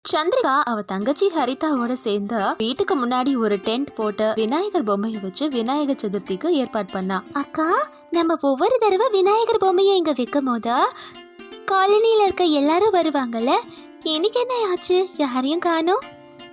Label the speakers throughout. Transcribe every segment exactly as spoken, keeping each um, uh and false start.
Speaker 1: சந்திரிகா அவ தங்கச்சி ஹரிதாவோட சேர்ந்து வீட்டுக்கு முன்னாடி ஒரு டென்ட் போட்டு விநாயகர் பொம்மையை வச்சு விநாயகர் சதுர்த்திக்கு ஏற்பாடு பண்ணா. அக்கா, நம்ம ஒவ்வொரு தடவை விநாயகர் பொம்மையை இங்க வைக்கும் போது காலனியில இருக்க எல்லாரும் வருவாங்கல்ல, இன்னைக்கு என்ன ஆச்சு? யாரையும் காணோம்.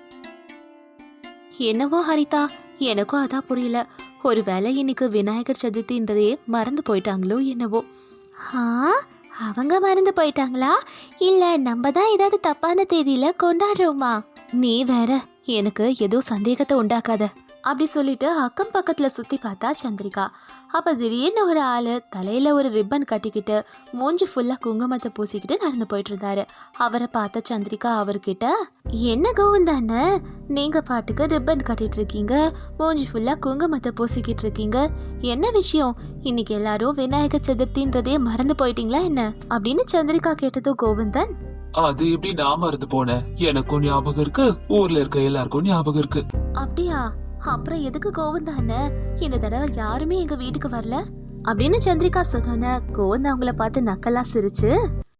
Speaker 1: என்னவோ ஹரிதா, எனக்கும் அதான் புரியல. ஒருவேளை இன்னைக்கு விநாயகர் சதுர்த்தின்றதே மறந்து போயிட்டாங்களோ என்னவோ. ஆ, அவங்க மறந்து போயிட்டாங்களா? இல்ல நம்ம தான் ஏதாவது தப்பான தேதியில கொண்டாடுறோமா? நீ வேற, எனக்கு ஏதோ சந்தேகத்தை உண்டாக்காத. அப்படி சொல்லிட்டு அக்கம் பக்கத்துல சுத்தி பார்த்தா சந்திரிகா. அப்ப திடீர்னு ஒரு ஆளு தலையில ஒரு ரிப்பன் கட்டிக்கிட்டு மூஞ்சி ஃபுல்லா குங்குமத்தை பூசிக்கிட்டு நடந்து போயிட்டு இருந்தாரு. அவரை பார்த்த சந்திரிகா அவர்கிட்ட, என்ன கோவிந்தானே, நீங்க பாட்டுக்கு ரிப்பன் கட்டிட்டு இருக்கீங்க, மூஞ்சி ஃபுல்லா குங்குமத்தை பூசிக்கிட்டு இருக்கீங்க, என்ன விஷயம்? இன்னைக்கு எல்லாரும் விநாயகர் சதுர்த்தின்றதே மறந்து போயிட்டீங்களா என்ன அப்படின்னு சந்திரிகா கேட்டதும் கோவிந்தன்,
Speaker 2: அது எப்படி நான் மறந்து போனேன், எனக்கும் ஞாபகம் இருக்கு, ஊர்ல இருக்க எல்லாருக்கும் ஞாபகம் இருக்கு.
Speaker 1: அப்படியா? அப்புறம் எதுக்கு கோவிந்தான இந்த தடவை யாருமே எங்க வீட்டுக்கு வரல அப்படின்னு சந்திரிகா சொன்ன. கோவிந்தா அவங்கள பார்த்து நக்கலா சிரிச்சு,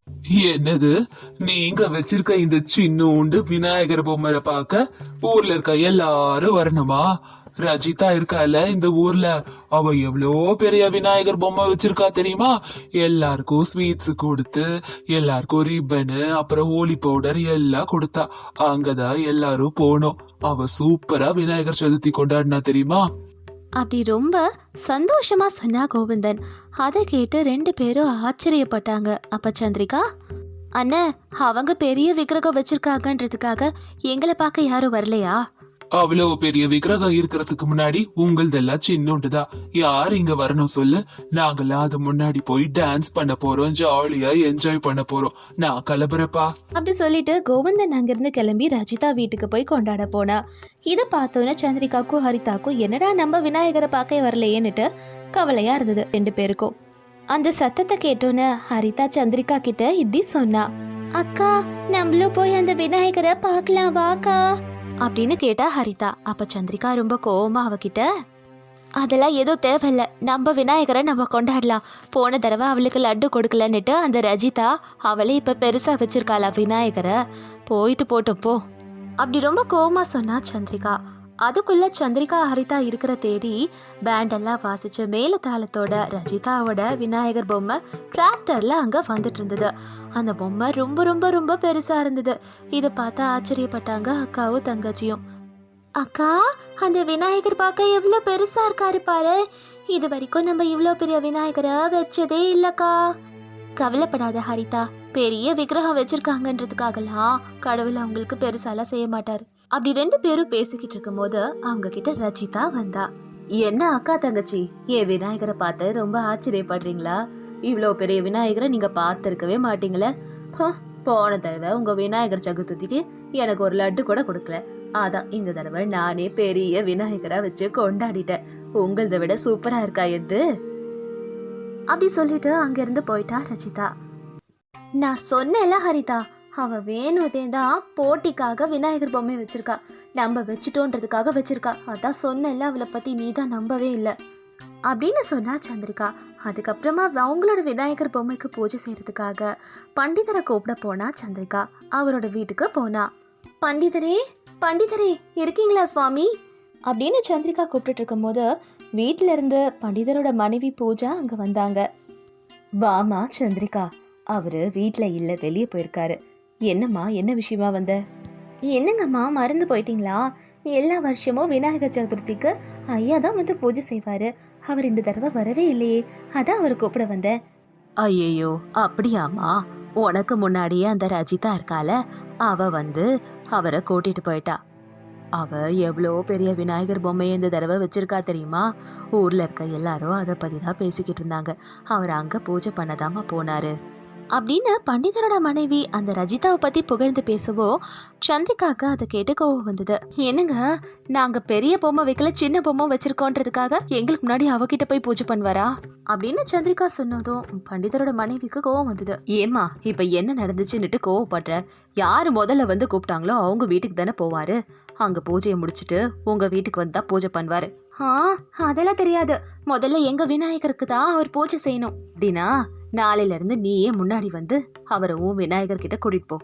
Speaker 2: என்னது, நீங்க வச்சிருக்க இந்த சின்னூண்டு விநாயகர் பொம்மை பார்க்க ஊர்ல இருக்க எல்லாரும் வரணுமா? ரஜிதா இருக்கால இந்த ஊர்ல, அவ எவ்வளோ பெரிய விநாயகர் பொம்மை வச்சிருக்கா தெரியுமா? எல்லாருக்கும் ஸ்வீட்ஸ் கொடுத்து, எல்லாருக்கும் ரிப்பனு, அப்புறம் ஹோலி பவுடர் எல்லாம் கொடுத்தா. அங்கதான் எல்லாரும் போனோம். அவ சூப்பரா விநாயகர் சதுர்த்தி கொண்டாடினா தெரியுமா?
Speaker 1: அப்படி ரொம்ப சந்தோஷமா சொன்னா கோவிந்தன். அதை கேட்டு ரெண்டு பேரும் ஆச்சரியப்பட்டாங்க. அப்ப சந்திரிகா, அண்ணா, அவங்க பெரிய விக்கிரகம் வச்சிருக்காங்கன்றதுக்காக எங்களை பார்க்க யாரும் வரலையா?
Speaker 2: அவ்வளவு பெரிய விக்கிரகம் இருக்கிறதுக்கு முன்னாடி உங்களதெல்லாம் சின்னோண்டுதான். யார் இங்க வரணும் சொல்லு? நாங்கெல்லாம் அது முன்னாடி போய் டான்ஸ் பண்ண போறோம், ஜாலியா என்ஜாய் பண்ண போறோம். நான் கிளம்புறப்பா
Speaker 1: அப்படி சொல்லிட்டு கோவிந்தன் அங்கிருந்து கிளம்பி ரஜிதா வீட்டுக்கு போய் கொண்டாட போனா. இதை பார்த்தோன்னே சந்திரிகாக்கும் ஹரிதாக்கும் என்னடா நம்ம விநாயகரை பார்க்க வரலையேன்னுட்டு கவலையா இருந்தது ரெண்டு பேருக்கும். அந்த சத்தத்தை கேட்டோன்னு ஹரிதா சந்திரிகா கிட்ட இப்படி சொன்னா, அக்கா, நம்மளும் போய் அந்த விநாயகரை பார்க்கலாம் வாக்கா அப்படின்னு கேட்டா ஹரிதா. அப்ப சந்திரிகா ரொம்ப கோவமா அவகிட்ட, அதெல்லாம் ஏதோ தேவையில்ல, நம்ம விநாயகரை நம்ம கொண்டாடலாம். போன தடவை அவளுக்கு லட்டு கொடுக்கலன்னுட்டு அந்த ரஜிதா அவளே இப்ப பெருசா வச்சிருக்காளா விநாயகரை, போயிட்டு போட்டோம் போ அப்படி ரொம்ப கோவமா சொன்னா சந்திரிகா. அதுக்குள்ள சந்திரிகா ஹரிதா இருக்கிற தேடி பேண்டெல்லாம் வாசிச்ச மேல தாளத்தோட ரஜிதாவோட விநாயகர் பொம்மை டிராக்டர்ல அங்க வந்துட்டு இருந்தது. அந்த பொம்மை ரொம்ப ரொம்ப ரொம்ப பெருசா இருந்தது. இதை பார்த்து ஆச்சரியப்பட்டாங்க அக்காவும் தங்கச்சியும். அக்கா, அந்த விநாயகர் பார்க்க எவ்வளவு பெருசா இருக்காரு பாரு, இது வரைக்கும் நம்ம இவ்வளவு பெரிய விநாயகரை வச்சதே இல்லக்கா. கவலைப்படாத ஹரிதா, பெரிய விக்கிரகம் வச்சிருக்காங்கன்றதுக்காகலாம் கடவுள் அவங்களுக்கு பெருசாலாம் செய்ய மாட்டாரு. அப்படி ரெண்டு பேரும் பேசிக்கிட்டு இருக்கும் போது அவங்க கிட்ட ரஜிதா வந்தா. என்ன அக்கா தங்கச்சி, என் விநாயகரை பார்த்து ரொம்ப ஆச்சரியப்படுறீங்களா? இவ்வளோ பெரிய விநாயகரை நீங்க பார்த்துருக்கவே மாட்டீங்களே. போன தடவை உங்க விநாயகர் சதுர்த்திக்கு எனக்கு ஒரு லட்டு கூட கொடுக்கல. அதான் இந்த தடவை நானே பெரிய விநாயகரா வச்சு கொண்டாடிட்டேன். உங்களதை விட சூப்பரா இருக்கா எது அப்படி சொல்லிட்டு அங்கிருந்து போயிட்டா ரஜிதா. நான் சொன்னேன்ல ஹரிதா, அவ வேணுதே தான் போட்டிக்காக விநாயகர் பொம்மை வச்சிருக்கா, நம்ம வச்சுட்டோன்றதுக்காக வச்சிருக்கா. அதான் சொன்னேன்ல அவளை பத்தி நீ தான் நம்பவே இல்லை அப்படின்னு சொன்னா சந்திரிகா. அதுக்கப்புறமா அவங்களோட விநாயகர் பொம்மைக்கு பூஜை செய்யறதுக்காக பண்டிதரை கூப்பிட போனா சந்திரிகா. அவரோட வீட்டுக்கு போனா. பண்டிதரே, பண்டிதரே இருக்கீங்களா சுவாமி அப்படின்னு சந்திரிகா கூப்பிட்டு இருக்கும் போது வீட்டுல இருந்து பண்டிதரோட மனைவி பூஜா அங்க வந்தாங்க. வாமா சந்திரிகா, அவரு வீட்டுல இல்ல, வெளியே போயிருக்காரு. என்னம்மா, என்ன விஷயமா வந்த? என்னங்கம்மா, மறந்து போயிட்டீங்களா? எல்லா வருஷமும் விநாயகர் சதுர்த்திக்கு ஐயா தான் வந்து பூஜை செய்வாரு. அவர் இந்த தடவை வரவே இல்லையே, அதான் அவர் கூப்பிட வந்தேன். ஐயோ, அப்படியாமா? உனக்கு முன்னாடியே அந்த ரஜிதா இருக்கால, அவ வந்து அவரை கூட்டிட்டு போயிட்டா. அவ எவ்வளோ பெரிய விநாயகர் பொம்மையை இந்த தடவை வச்சிருக்கா தெரியுமா? ஊர்ல இருக்க எல்லாரும் அதை பத்தி தான் பேசிக்கிட்டு இருந்தாங்க. அவர் அங்க பூஜை பண்ணதாமா போனாரு அப்படின்னு பண்டிதரோட மனைவி அந்த ரஜிதாவை பத்தி புகழ்ந்து பேசவோ சந்திரிகாக்கு அதை கேட்டு கோவம் வந்தது. என்னங்க, நாங்க பெரிய பொம்மை வைக்கல, சின்ன பொம்மை வச்சிருக்கோன்றதுக்காக எங்களுக்கு முன்னாடி அவகிட்ட போய் பூஜை பண்ணுவாரா அப்படின்னு சந்திரிகா சொன்னதும் பண்டிதரோட மனைவிக்கு கோவம் வந்தது. ஏமா, இப்ப என்ன நடந்துச்சுன்னுட்டு கோவப்படுற? யாரு முதல்ல வந்து கூப்பிட்டாங்களோ அவங்க வீட்டுக்கு தானே போவாரு. அங்க பூஜையை முடிச்சுட்டு உங்க வீட்டுக்கு வந்தா பூஜை பண்ணுவாரு. ஆ, அதெல்லாம் தெரியாது. முதல்ல எங்க விநாயகருக்கு தான் அவர் பூஜை செய்யணும். அப்படின்னா நாளையில இருந்து நீயே முன்னாடி வந்து அவரை உன் விநாயகர் கிட்ட கூட்டிட்டு போ.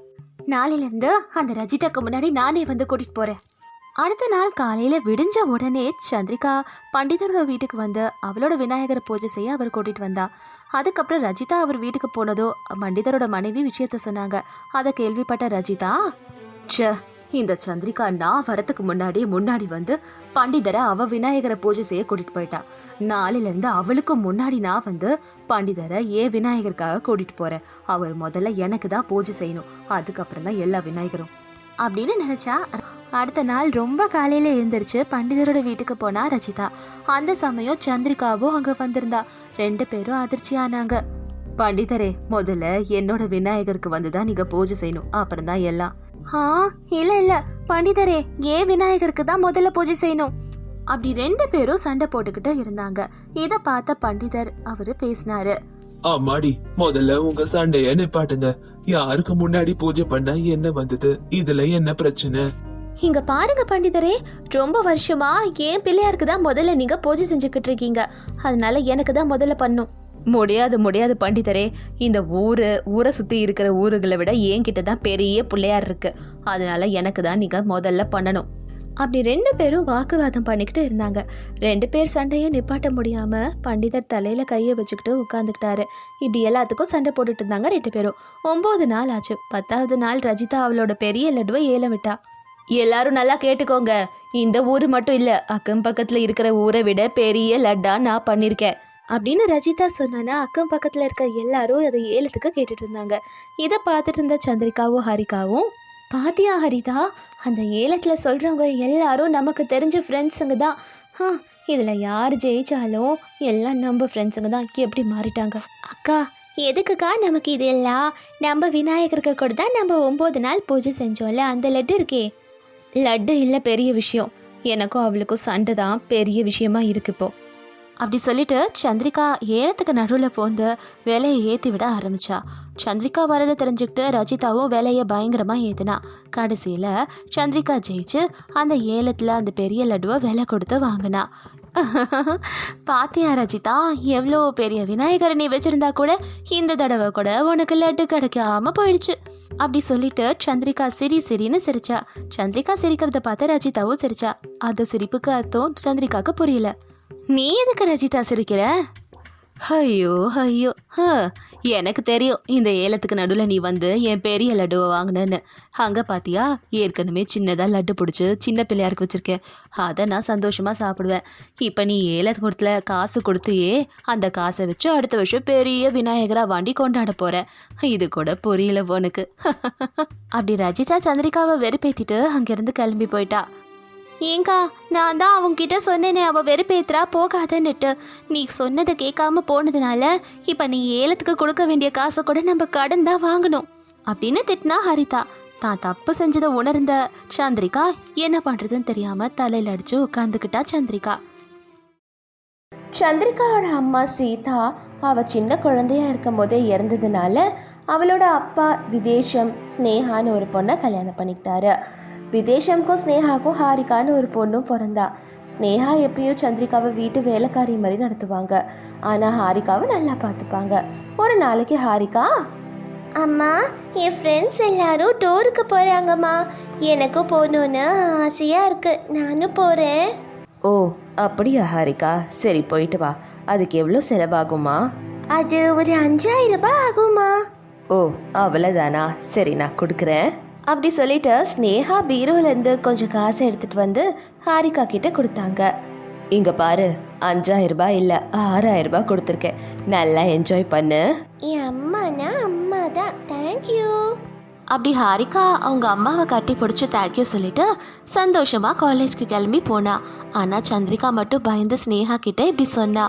Speaker 1: நாளையிலேருந்து அந்த ரஜிதாக்கு முன்னாடி நானே வந்து கூட்டிகிட்டு போகிறேன். அடுத்த நாள் காலையில் விடிஞ்ச உடனே சந்திரிகா பண்டிதரோட வீட்டுக்கு வந்து அவளோட விநாயகரை பூஜை செய்ய அவர் கூட்டிகிட்டு வந்தா. அதுக்கப்புறம் ரஜிதா அவர் வீட்டுக்கு போனதோ பண்டிதரோட மனைவி விஷயத்த சொன்னாங்க. அதை கேள்விப்பட்ட ரஜிதா, ச்சே, இந்த சந்திரிகா நான் வரத்துக்கு முன்னாடி முன்னாடி வந்து பண்டிதரை அவ விநாயகரை பூஜை செய்ய கூட்டிட்டு போயிட்டா. நாளிலிருந்து அவளுக்கு முன்னாடி நான் வந்து பண்டிதரை ஏன் விநாயகருக்காக கூட்டிட்டு போறேன். அவர் முதல்ல எனக்கு தான் பூஜை செய்யணும், அதுக்கப்புறம் தான் எல்லா விநாயகரும் அப்படின்னு நினைச்சா. அடுத்த நாள் ரொம்ப காலையில எழுந்திரிச்சு பண்டிதரோட வீட்டுக்கு போனா ரஜிதா. அந்த சமயம் சந்திரிகாவும் அங்க வந்திருந்தா. ரெண்டு பேரும் அதிர்ச்சியானாங்க. பண்டிதரே, முதல்ல என்னோட விநாயகருக்கு வந்துதான் நீங்க பூஜை செய்யணும், அப்புறம் தான் எல்லாம். ஆ இல்ல இல்ல பண்டிதரே, ஏன் விநாயகருக்கு தான் முதல்ல பூஜை செய்யணும். அப்படி ரெண்டு பேரும் சண்டை போட்டுக்கிட்டு இருந்தாங்க. இத பார்த்த பண்டிதர் அவரு பேசினாரு.
Speaker 2: ஆமாடி, முதல்ல உங்க சண்டைய நிப்பாட்டுங்க. யாருக்கு முன்னாடி பூஜை பண்ண என்ன வந்தது, இதுல என்ன பிரச்சனை?
Speaker 1: இங்க பாருங்க பண்டிதரே, ரொம்ப வருஷமா ஏன் பிள்ளையாருக்கு தான் முதல்ல நீங்க பூஜை செஞ்சுக்கிட்டு இருக்கீங்க, அதனால எனக்கு தான் முதல்ல பண்ணும். முடியாது முடியாது பண்டிதரே, இந்த ஊரு ஊரை சுத்தி இருக்கிற ஊருகளை விட என்கிட்ட தான் பெரிய பிள்ளையார் இருக்கு, அதனால எனக்கு தான் நீங்க முதல்ல பண்ணணும். அப்படி ரெண்டு பேரும் வாக்குவாதம் பண்ணிக்கிட்டு இருந்தாங்க. ரெண்டு பேர் சண்டையும் நிப்பாட்ட முடியாம பண்டிதர் தலையில கையை வச்சுக்கிட்டு உட்காந்துக்கிட்டாரு. இப்படி எல்லாத்துக்கும் சண்டை போட்டுட்டு இருந்தாங்க ரெண்டு பேரும். ஒன்பது நாள் ஆச்சு. பத்தாவது நாள் ரஜிதா அவளோட பெரிய லட்டுவை ஏலம் விட்டா. எல்லாரும் நல்லா கேட்டுக்கோங்க, இந்த ஊர் மட்டும் இல்ல, அக்கம் பக்கத்துல இருக்கிற ஊரை விட பெரிய லட்டா நான் பண்ணிருக்கேன் அப்படின்னு ரஜிதா சொன்னா. அக்கம் பக்கத்துல இருக்க எல்லாரும் அதை ஏலத்துக்கு கேட்டுட்டு இருந்தாங்க. இதை பார்த்துட்டு இருந்த சந்திரிகாவும் ஹரிகாவும், பாத்தியா ஹரிதா, அந்த ஏலத்தில் சொல்கிறவங்க எல்லாரும் நமக்கு தெரிஞ்ச ஃப்ரெண்ட்ஸுங்க தான். ஆ இதில் யார் ஜெயிச்சாலும் எல்லாம் நம்ம ஃப்ரெண்ட்ஸுங்க தான். எப்படி மாறிட்டாங்க அக்கா? எதுக்குக்கா நமக்கு இது எல்லாம்? நம்ம விநாயகருக்கு கூட தான் நம்ம ஒம்பது நாள் பூஜை செஞ்சோம்ல, அந்த லட்டு இருக்கே. லட்டு இல்லை பெரிய விஷயம், எனக்கும் அவளுக்கும் சண்டை தான் பெரிய விஷயமா இருக்கு இப்போ அப்படி சொல்லிட்டு சந்திரிகா ஏலத்துக்கு நடுவில் போந்து வேலையை ஏற்றி விட ஆரம்பிச்சா. சந்திரிகா வரதை தெரிஞ்சுக்கிட்டு ரஜிதாவும் வேலையை பயங்கரமாக ஏற்றினா. கடைசியில் சந்திரிகா ஜெயிச்சு அந்த ஏலத்தில் அந்த பெரிய லட்டுவை விலை கொடுத்து வாங்கினா. பாத்தியா ரஜிதா, எவ்வளோ பெரிய விநாயகரை நீ வச்சிருந்தா கூட இந்த தடவை கூட உனக்கு லட்டு கிடைக்காம போயிடுச்சு அப்படி சொல்லிட்டு சந்திரிகா சிரி சிரின்னு சிரிச்சா. சந்திரிகா சிரிக்கிறத பார்த்து ரஜிதாவும் சிரிச்சா. அந்த சிரிப்புக்கு அர்த்தம் சந்திரிகாவுக்கு புரியல. நீ எதுக்கு ரஜிதா சிரிக்கிற? ஐயோ ஐயோ, எனக்கு தெரியும் இந்த ஏலத்துக்கு நடுவில் நீ வந்து என் பெரிய லட்டுவை வாங்கினேன்னு. அங்கே பார்த்தியா, ஏற்கனவே சின்னதாக லட்டு பிடிச்சி சின்ன பிள்ளையாருக்கு வச்சுருக்கேன், அதை நான் சந்தோஷமாக சாப்பிடுவேன். இப்போ நீ ஏலத்து கொடுத்துல காசு கொடுத்தியே, அந்த காசை வச்சு அடுத்த வருஷம் பெரிய விநாயகராக வாண்டி கொண்டாட போகிறேன். இது கூட புரியல உனக்கு. அப்படி ரஜிதா சந்திரிகாவை வெறுப்பேற்றிட்டு அங்கேருந்து கிளம்பி போயிட்டா. ஏங்கா, நான் தான் அவங்ககிட்ட சொன்னேனே அவள் வெறுப்பேத்துறா போகாதன்னுட்டு. நீ சொன்னதை கேட்காம போனதுனால இப்போ நீ ஏலத்துக்கு கொடுக்க வேண்டிய காசை கூட நம்ம கடன் தான் வாங்கணும் அப்படின்னு திட்டினா ஹரிதா. தான் தப்பு செஞ்சதை உணர்ந்த சந்திரிகா என்ன பண்ணுறதுன்னு தெரியாமல் தலையில் அடித்து உட்காந்துக்கிட்டா சந்திரிகா. சந்திரிகாவோட அம்மா சீதா அவள் சின்ன குழந்தையா இருக்கும் போதே இறந்ததுனால அவளோட அப்பா விதேஷம் ஸ்னேகான்னு ஒரு பொண்ணை கல்யாணம் பண்ணிக்கிட்டாரு. விதேஷம்க்கும் ஸ்னேகாக்கும் ஹாரிகான்னு ஒரு பொண்ணும் பிறந்தா. ஸ்னேகா எப்பயும் சந்திரிகாவை வீட்டு வேலைக்காரி மாதிரி நடத்துவாங்க, ஆனால் ஹாரிகாவை நல்லா பார்த்துப்பாங்க. ஒரு நாளைக்கு ஹாரிகா,
Speaker 3: அம்மா, என் ஃப்ரெண்ட்ஸ் எல்லாரும் டூருக்கு போகிறாங்கம்மா, எனக்கும் போகணுன்னு ஆசையாக இருக்குது, நானும் போகிறேன்.
Speaker 1: ஓ அப்படியா ஹாரிகா, சரி போயிட்டு வா. அதுக்கு எவ்வளோ செலவாகுமா?
Speaker 3: அது ஒரு அஞ்சாயிரம் ரூபாய் ஆகுமா?
Speaker 1: ஓ அவ்வளோதானா, சரி நான் கொடுக்குறேன் அப்படி சொல்லிட்டு ஸ்னேகா பீரோலேருந்து கொஞ்சம் காசை எடுத்துட்டு வந்து ஹாரிகா கிட்ட கொடுத்தாங்க. இங்க பாரு, அஞ்சாயிரம் ரூபாய் இல்லை ஆறாயிரம் ரூபாய் கொடுத்துருக்கேன், நல்லா என்ஜாய் பண்ணு.
Speaker 3: என் அம்மானா அம்மா தான், தேங்க்யூ.
Speaker 1: அப்படி ஹாரிகா அவங்க அம்மாவை கட்டி பிடிச்சி தேங்க்யூ சொல்லிட்டு சந்தோஷமா காலேஜ்க்கு கிளம்பி போனா. ஆனா சந்திரிகா மட்டும் பயந்து ஸ்னேகா கிட்ட இப்படி சொன்னா.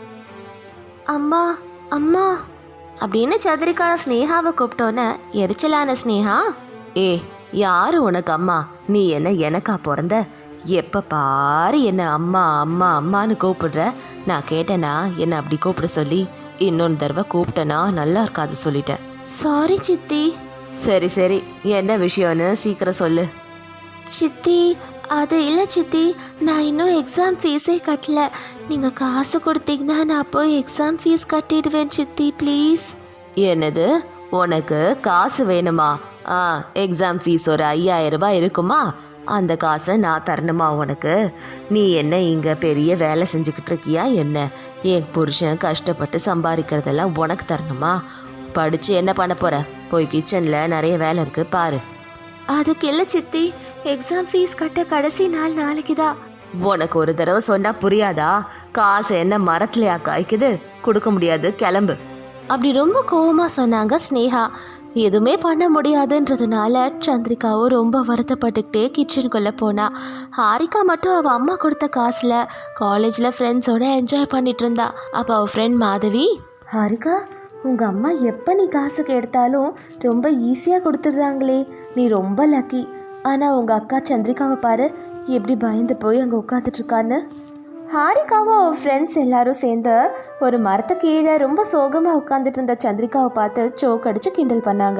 Speaker 1: அம்மா அம்மா அப்படின்னு சந்திரிகா ஸ்னேகாவை கூப்பிட்டோன்னு எரிச்சலான ஸ்னேகா, ஏ யாரு உனக்கு அம்மா? நீ என்ன எனக்கா பிறந்த? எப்போ பாரு என்ன அம்மா அம்மா அம்மான்னு கூப்பிடுற. நான் கேட்டேனா என்ன அப்படி கூப்பிட சொல்லி? இன்னொன்று தடவை கூப்பிட்டேனா நல்லா இருக்காது சொல்லிட்டேன். சாரி சித்தி. சரி சரி, என்ன விஷயம்னு சீக்கிரம் சொல்லு. சித்தி, அது இல்லை சித்தி, நான் இன்னும் எக்ஸாம் ஃபீஸே கட்டல. நீங்கள் காசு கொடுத்தீங்கன்னா நான் போய் எக்ஸாம் ஃபீஸ் கட்டிடுவேன் சித்தி, ப்ளீஸ். என்னது, உனக்கு காசு வேணுமா? ஆ எக்ஸாம் ஃபீஸ் ஒரு ஐயாயிரம் ரூபாய் இருக்குமா, அந்த காசை நான் தரணுமா உனக்கு? நீ என்ன இங்கே பெரிய வேலை செஞ்சுக்கிட்டு இருக்கியா என்ன? என் புருஷன் கஷ்டப்பட்டு சம்பாதிக்கிறதெல்லாம் உனக்கு தரணுமா? படித்து என்ன பண்ண போகிற? போய் கிச்சனில் நிறைய வேலை இருக்குது பாரு. அதுக்கு இல்லை சித்தி, எக்ஸாம் ஃபீஸ் கட்ட கடைசி நாள் நாளைக்கு தான். உனக்கு ஒரு தடவை சொன்னால் புரியாதா? காசு என்ன மரத்துலையா காய்க்குது? கொடுக்க முடியாது, கிளம்பு. அப்படி ரொம்ப கோவமாக சொன்னாங்க ஸ்னேகா. எதுவுமே பண்ண முடியாதுன்றதுனால சந்திரிகாவும் ரொம்ப வருத்தப்பட்டுக்கிட்டே கிச்சனுக்குள்ளே போனா. ஹாரிகா மட்டும் அவள் அம்மா கொடுத்த காசில் காலேஜில் ஃப்ரெண்ட்ஸோட என்ஜாய் பண்ணிட்டு இருந்தா. அப்போ அவள் ஃப்ரெண்ட் மாதவி, ஹாரிகா உங்கள் அம்மா எப்போ நீ காசுக்கு எடுத்தாலும் ரொம்ப ஈஸியாக கொடுத்துட்றாங்களே, நீ ரொம்ப லக்கி. ஆனால் உங்கள் அக்கா சந்திரிகாவை பாரு எப்படி பயந்து போய் அங்கே உட்காந்துட்ருக்கான்னு. ஹாரிகாவும் அவள் ஃப்ரெண்ட்ஸ் எல்லாரும் சேர்ந்து ஒரு மரத்து கீழே ரொம்ப சோகமாக உட்காந்துட்டு இருந்த சந்திரிகாவை பார்த்து சோக் அடித்து கிண்டல் பண்ணாங்க.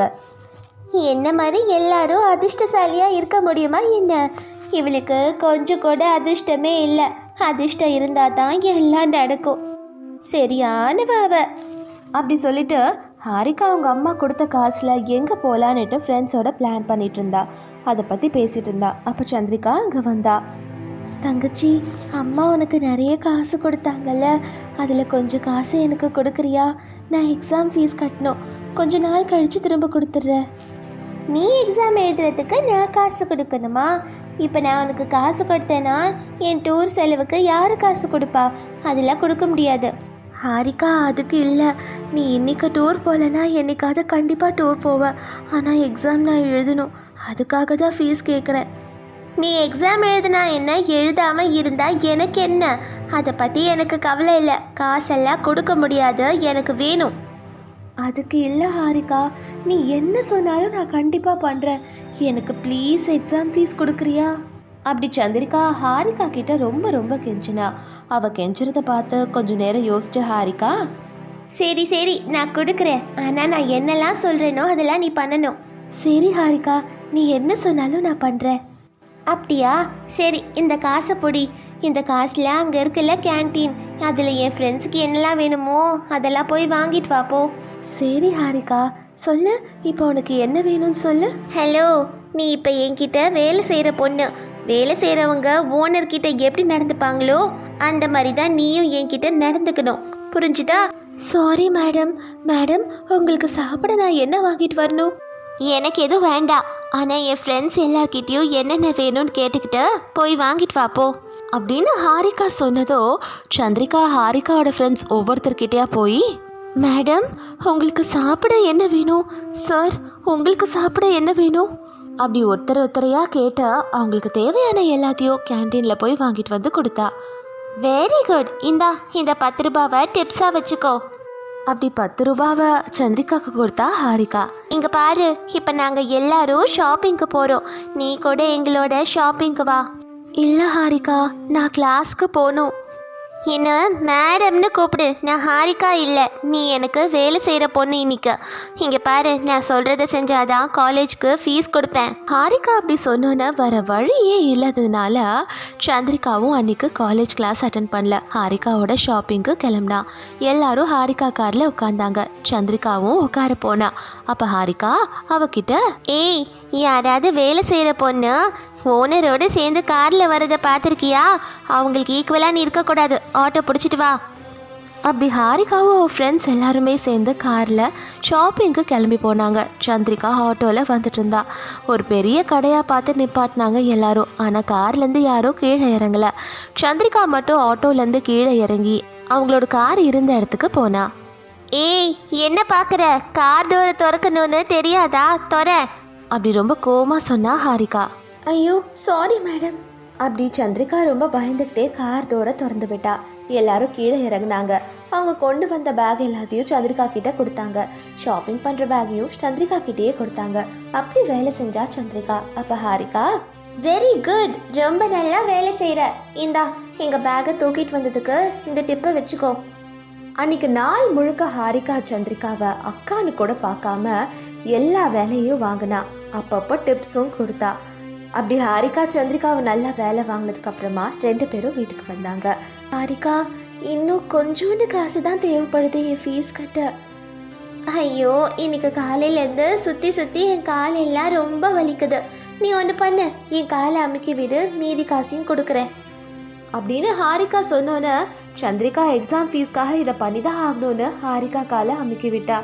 Speaker 3: என்ன மாதிரி எல்லாரும் அதிர்ஷ்டசாலியாக இருக்க முடியுமா என்ன? இவளுக்கு கொஞ்சம் கூட அதிர்ஷ்டமே இல்லை. அதிர்ஷ்டம் இருந்தால் தான் எல்லாம் நடக்கும். சரியானவ அவ.
Speaker 1: அப்படி சொல்லிட்டு ஹாரிகா அவங்க அம்மா கொடுத்த காசில் எங்கே போகலான்னுட்டு ஃப்ரெண்ட்ஸோட பிளான் பண்ணிட்டு இருந்தா. அதை பற்றி பேசிகிட்டு இருந்தா. அப்போ சந்திரிகா அங்கே வந்தா. தங்கச்சி, அம்மா உனக்கு நிறைய காசு கொடுத்தாங்கல்ல, அதில் கொஞ்சம் காசு எனக்கு கொடுக்குறியா? நான் எக்ஸாம் ஃபீஸ் கட்டணும், கொஞ்ச நாள் கழித்து திரும்ப கொடுத்துட்றேன்.
Speaker 3: நீ எக்ஸாம் எழுதுறதுக்கு நான் காசு கொடுக்கணுமா? இப்போ நான் உனக்கு காசு கொடுத்தேன்னா என் டூர் செலவுக்கு யார் காசு கொடுப்பா? அதெல்லாம் கொடுக்க முடியாது.
Speaker 1: ஹாரிகா அதுக்கு இல்லை, நீ இன்னைக்கு டூர் போகலன்னா என்னைக்காவது கண்டிப்பாக டூர் போவேன். ஆனால் எக்ஸாம் நான் எழுதணும், அதுக்காக தான் ஃபீஸ் கேட்குறேன்.
Speaker 3: நீ எக்ஸாம் எழுதுனா என்ன, எழுதாமல் இருந்தால் எனக்கு என்ன? அதை பற்றி எனக்கு கவலை இல்லை. காசெல்லாம் கொடுக்க முடியாது, எனக்கு வேணும்.
Speaker 1: அதுக்கு இல்லை ஹாரிகா, நீ என்ன சொன்னாலும் நான் கண்டிப்பாக பண்ணுறேன். எனக்கு ப்ளீஸ் எக்ஸாம் ஃபீஸ் கொடுக்குறியா? அப்படி சந்திரிகா ஹாரிகா கிட்ட ரொம்ப ரொம்ப கெஞ்சினா. அவள் கெஞ்சுறத பார்த்து கொஞ்சம் நேரம் யோசிச்சு ஹாரிகா,
Speaker 3: சரி சரி நான் கொடுக்குறேன், ஆனால் நான் என்னெல்லாம் சொல்கிறேனோ அதெல்லாம் நீ பண்ணணும்.
Speaker 1: சரி ஹாரிகா, நீ என்ன சொன்னாலும் நான் பண்ணுறேன்.
Speaker 3: அப்படியா? சரி, இந்த காசை பொடி. இந்த காசில் அங்கே இருக்குல்ல கேன்டீன், அதில் என் ஃப்ரெண்ட்ஸுக்கு என்னெல்லாம் வேணுமோ அதெல்லாம் போய் வாங்கிட்டு வாப்போ.
Speaker 1: சரி ஹாரிகா, சொல்லு, இப்போ உனக்கு என்ன வேணும்னு சொல்லு.
Speaker 3: ஹலோ, நீ இப்போ என்கிட்ட வேலை செய்கிற பொண்ணு. வேலை செய்கிறவங்க ஓனர்கிட்ட எப்படி நடந்துப்பாங்களோ அந்த மாதிரி தான் நீயும் என்கிட்ட நடந்துக்கணும், புரிஞ்சுதா?
Speaker 1: Sorry madam. மேடம், உங்களுக்கு சாப்பிட நான் என்ன வாங்கிட்டு வரணும்?
Speaker 3: எனக்கு எதுவும் வேண்டாம், ஆனால் என் ஃப்ரெண்ட்ஸ் எல்லார்கிட்டையும் என்னென்ன வேணும்னு கேட்டுக்கிட்டு போய் வாங்கிட்டு வாப்போ
Speaker 1: அப்படின்னு ஹாரிகா சொன்னதோ சந்திரிகா ஹாரிகாவோட ஃப்ரெண்ட்ஸ் ஒவ்வொருத்தர்கிட்டயா போய், மேடம் உங்களுக்கு சாப்பிட என்ன வேணும்? சார் உங்களுக்கு சாப்பிட என்ன வேணும்? அப்படி ஒருத்தர் ஒருத்தரையாக கேட்ட அவங்களுக்கு தேவையான எல்லாத்தையும் கேன்டீனில் போய் வாங்கிட்டு வந்து கொடுத்தா.
Speaker 3: வெரி குட், இந்தா இந்த பத்து ரூபாவை டிப்ஸாக வச்சுக்கோ.
Speaker 1: அப்படி பத்து ரூபாவை சந்திரிகாவுக்கு கொடுத்தா ஹாரிகா.
Speaker 3: இங்கே பாரு, இப்போ நாங்கள் எல்லாரும் ஷாப்பிங்க்கு போகிறோம், நீ கூட எங்களோட ஷாப்பிங்க்கு வா.
Speaker 1: இல்லை ஹாரிகா, நான் கிளாஸ்க்கு போகணும்.
Speaker 3: என்ன மேடம்னு கூப்பிடு, நான் ஹாரிகா இல்லை. நீ எனக்கு வேலை செய்கிற பொண்ணு இன்னைக்கு. இங்கே பாரு, நான் சொல்கிறத செஞ்சாதான் காலேஜ்க்கு ஃபீஸ் கொடுப்பேன்.
Speaker 1: ஹாரிகா அப்படி சொன்னோன்னே வர வழியே இல்லாததுனால சந்திரிகாவும் அன்னைக்கு காலேஜ் கிளாஸ் அட்டன் பண்ணல. ஹாரிகாவோட ஷாப்பிங்க்கு கிளம்புனா. எல்லாரும் ஹாரிகா காரில் உட்காந்தாங்க. சந்திரிகாவும் உட்கார போனா. அப்போ ஹாரிகா அவகிட்ட,
Speaker 3: ஏய், யாராவது வேலை செய்கிற பொண்ணு ஓனரோடு சேர்ந்து காரில் வரதை பார்த்துருக்கியா? அவங்களுக்கு ஈக்குவலாக நீ இருக்கக்கூடாது, ஆட்டோ பிடிச்சிட்டு வா.
Speaker 1: அப்படி ஹாரிகாவும் அவள் ஃப்ரெண்ட்ஸ் எல்லாருமே சேர்ந்து காரில் ஷாப்பிங்க்கு கிளம்பி போனாங்க. சந்திரிகா ஆட்டோவில் வந்துட்டு இருந்தா. ஒரு பெரிய கடையாக பார்த்து நிப்பாட்டினாங்க எல்லாரும். ஆனால் கார்லேருந்து யாரும் கீழே இறங்கலை. சந்திரிகா மட்டும் ஆட்டோலேருந்து கீழே இறங்கி அவங்களோட கார் இருந்த இடத்துக்கு போனா.
Speaker 3: ஏய், என்ன பார்க்குற? கார் டோரை திறக்கணும்னு தெரியாதா? தொற.
Speaker 1: அப்படி ரொம்ப கோவமா சொன்னா ஹாரிகா.
Speaker 3: ஐயோ சாரி மேடம்.
Speaker 1: அப்படி சந்திரிகா ரொம்ப பயந்துக்கிட்டே கார் டோரை திறந்து விட்டா. எல்லாரும் கீழே இறங்குனாங்க. அவங்க கொண்டு வந்த பேக் எல்லாத்தையும் சந்திரிகா கிட்ட கொடுத்தாங்க. ஷாப்பிங் பண்ற பேக்கையும் சந்திரிகா கிட்டேயே கொடுத்தாங்க. அப்படி வேலை செஞ்சா சந்திரிகா. அப்ப ஹாரிகா,
Speaker 3: வெரி குட், ரொம்ப நல்லா வேலை செய்கிற. இந்தா எங்கள் பேக்கை தூக்கிட்டு வந்ததுக்கு இந்த டிப்பை வச்சுக்கோ.
Speaker 1: அன்னைக்கு நாள் முழுக்க ஹாரிகா சந்திரிகாவை அக்கான்னு கூட பார்க்காம எல்லா வேலையும் வாங்கினா. அப்பப்போ டிப்ஸும் கொடுத்தா. அப்படி ஹாரிகா சந்திரிகாவை நல்லா வேலை வாங்கினதுக்கு அப்புறமா ரெண்டு பேரும் வீட்டுக்கு வந்தாங்க. ஹாரிகா, இன்னும் கொஞ்சோண்டு காசு தான் தேவைப்படுது என் ஃபீஸ் கட்ட.
Speaker 3: ஐயோ இன்னைக்கு காலையிலேருந்து சுற்றி சுற்றி என் காலெல்லாம் ரொம்ப வலிக்குது. நீ ஒன்று பண்ணு, என் காலை அமுக்கி விடு, மீதி காசையும் கொடுக்குறேன்
Speaker 1: அப்படின்னு ஹாரிகா சொன்னோன்னே சந்திரிகா எக்ஸாம் ஃபீஸ்க்காக இதை பண்ணி தான் ஆகணும்னு ஹாரிகா காலை அமுக்கி விட்டா.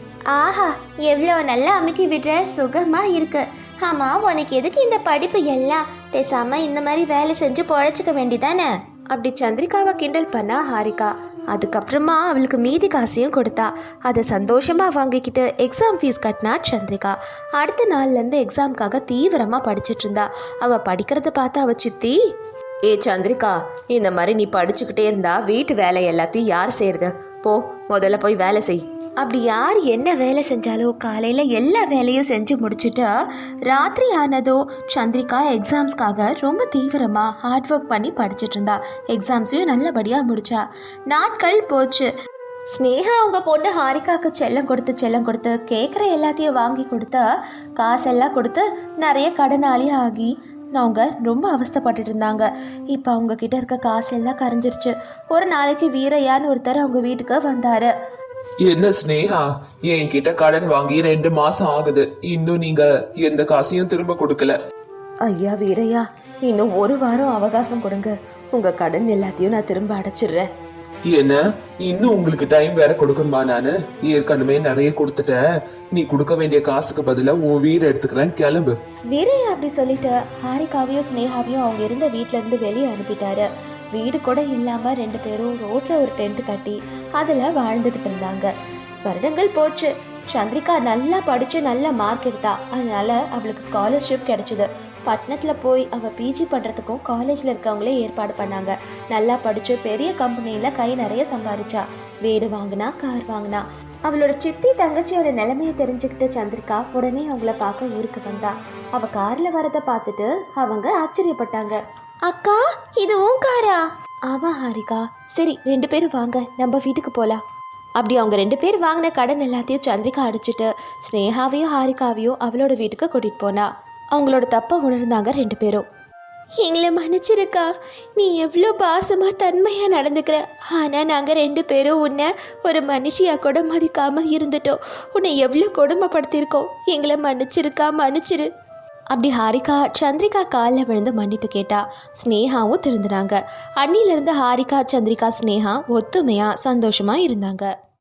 Speaker 3: ஆஹா எவ்வளோ நல்லா அமுக்கி விடுற, சுகமாக இருக்கு. ஆமாம், உனக்கு எதுக்கு இந்த படிப்பு எல்லாம்? பேசாமல் இந்த மாதிரி வேலை செஞ்சு பொழைச்சிக்க வேண்டிதானே?
Speaker 1: அப்படி சந்திரிகாவை கிண்டல் பண்ணா ஹாரிகா. அதுக்கப்புறமா அவளுக்கு மீதி காசையும் கொடுத்தா. அதை சந்தோஷமாக வாங்கிக்கிட்டு எக்ஸாம் ஃபீஸ் கட்டினா சந்திரிகா. அடுத்த நாள்லேருந்து எக்ஸாமுக்காக தீவிரமாக படிச்சுட்டு இருந்தா. அவள் படிக்கிறத பார்த்து அவள் சித்தி, ஏ சந்திரிகா, இந்த மாதிரி நீ படிச்சுக்கிட்டே இருந்தா வீட்டு வேலை எல்லாத்தையும் யார் செய்யறது? போ, முதல்ல போய் வேலை செய்.
Speaker 3: அப்படி யார் என்ன வேலை செஞ்சாலும் காலையில் எல்லா வேலையும் செஞ்சு முடிச்சுட்டு ராத்திரி ஆனதோ சந்திரிகா எக்ஸாம்ஸ்க்காக ரொம்ப தீவிரமாக ஹார்ட் ஒர்க் பண்ணி படிச்சுட்டு இருந்தா. எக்ஸாம்ஸையும் நல்லபடியாக முடிச்சா. நாட்கள் போச்சு. ஸ்னேகா அவங்க பொண்ணு ஹாரிகாவுக்கு செல்லம் கொடுத்து செல்லம் கொடுத்து கேட்குற எல்லாத்தையும் வாங்கி கொடுத்து காசெல்லாம் கொடுத்து நிறைய கடனாளி ஆகி அவங்க ரொம்ப அவஸ்தைப்பட்டுட்டு இருந்தாங்க. இப்போ அவங்க கிட்ட இருக்க காசெல்லாம் கரைஞ்சிருச்சு. ஒரு நாளைக்கு வீரையான்னு ஒருத்தர் அவங்க வீட்டுக்கு வந்தாரு.
Speaker 2: என்ன ஸ்னேகா, என்கிட்ட கடன் வாங்கி ரெண்டு மாசம் ஆகுது, இன்னும் நீங்க எந்த காசையும் திரும்ப கொடுக்கல.
Speaker 1: ஐயா வீரையா, இன்னும் ஒரு வாரம் அவகாசம் கொடுங்க, உங்க கடன் எல்லாத்தையும் நான் திரும்ப அடைச்சிடுறேன்.
Speaker 2: என்ன, இன்னும் உங்களுக்கு டைம் வேற கொடுக்கணுமா? நானு ஏற்கனவே நிறைய கொடுத்துட்டேன். நீ கொடுக்க வேண்டிய காசுக்கு பதிலா உன் வீடு எடுத்துக்கிறேன், கிளம்பு.
Speaker 1: வீரையா அப்படி சொல்லிட்டு ஹாரிகாவையும் ஸ்னேகாவையும் அவங்க இருந்த வீட்ல இருந்து வெளியே அனுப்பிட்டாரு. வீடு கூட இல்லாம ரெண்டு பேரும் ரோட்ல ஒரு டென்ட் கட்டி அதுல வாழ்ந்துகிட்டு இருந்தாங்க. வருடங்கள் போச்சு. சந்திரிகா நல்லா படிச்சு நல்ல மார்க் எடுத்தா. அதனால அவளுக்கு ஸ்காலர்ஷிப் கிடைச்சிது. பட்டணத்துல போய் அவள் பிஜி பண்ணுறதுக்கும் காலேஜில் இருக்கவங்களே ஏற்பாடு பண்ணாங்க. நல்லா படித்து பெரிய கம்பெனியில் கை நிறைய சம்பாதிச்சா. வீடு வாங்கினா, கார் வாங்கினா. அவளோட சித்தி தங்கச்சியோட நிலைமையை தெரிஞ்சுக்கிட்டு சந்திரிகா உடனே அவங்கள பார்க்க ஊருக்கு வந்தா. அவள் காரில் வரதை பார்த்துட்டு அவங்க ஆச்சரியப்பட்டாங்க.
Speaker 3: அக்கா, இது உன் காரா?
Speaker 1: ஆமாம் ஹாரிகா. சரி, ரெண்டு பேரும் வாங்க, நம்ம வீட்டுக்கு போகலாம். அப்படி அவங்க ரெண்டு பேர் வாங்கின கடன் எல்லாத்தையும் சந்திரிகா அடிச்சுட்டு ஸ்னேகாவையும் ஹாரிகாவையும் அவளோட வீட்டுக்கு கூட்டிகிட்டு போனா. அவங்களோட தப்பை உணர்ந்தாங்க ரெண்டு பேரும்.
Speaker 3: எங்களை மன்னிச்சிருக்கா, நீ எவ்வளோ பாசமாக தன்மையாக நடந்துக்கிற. ஆனால் நாங்கள் ரெண்டு பேரும் உன்னை ஒரு மனுஷியாக கூட மதிக்காமல் இருந்துட்டோம். உன்னை எவ்வளோ கொடுமைப்படுத்தியிருக்கோம். எங்களை மன்னிச்சிருக்கா, மன்னிச்சிரு.
Speaker 1: அப்படி ஹாரிகா சந்திரிகா காலில் விழுந்து மன்னிப்பு கேட்டா. ஸ்னேகாவும் திருந்தினாங்க. அன்னிலிருந்து ஹாரிகா, சந்திரிகா, ஸ்னேகா ஒத்துமையாக சந்தோஷமாக இருந்தாங்க.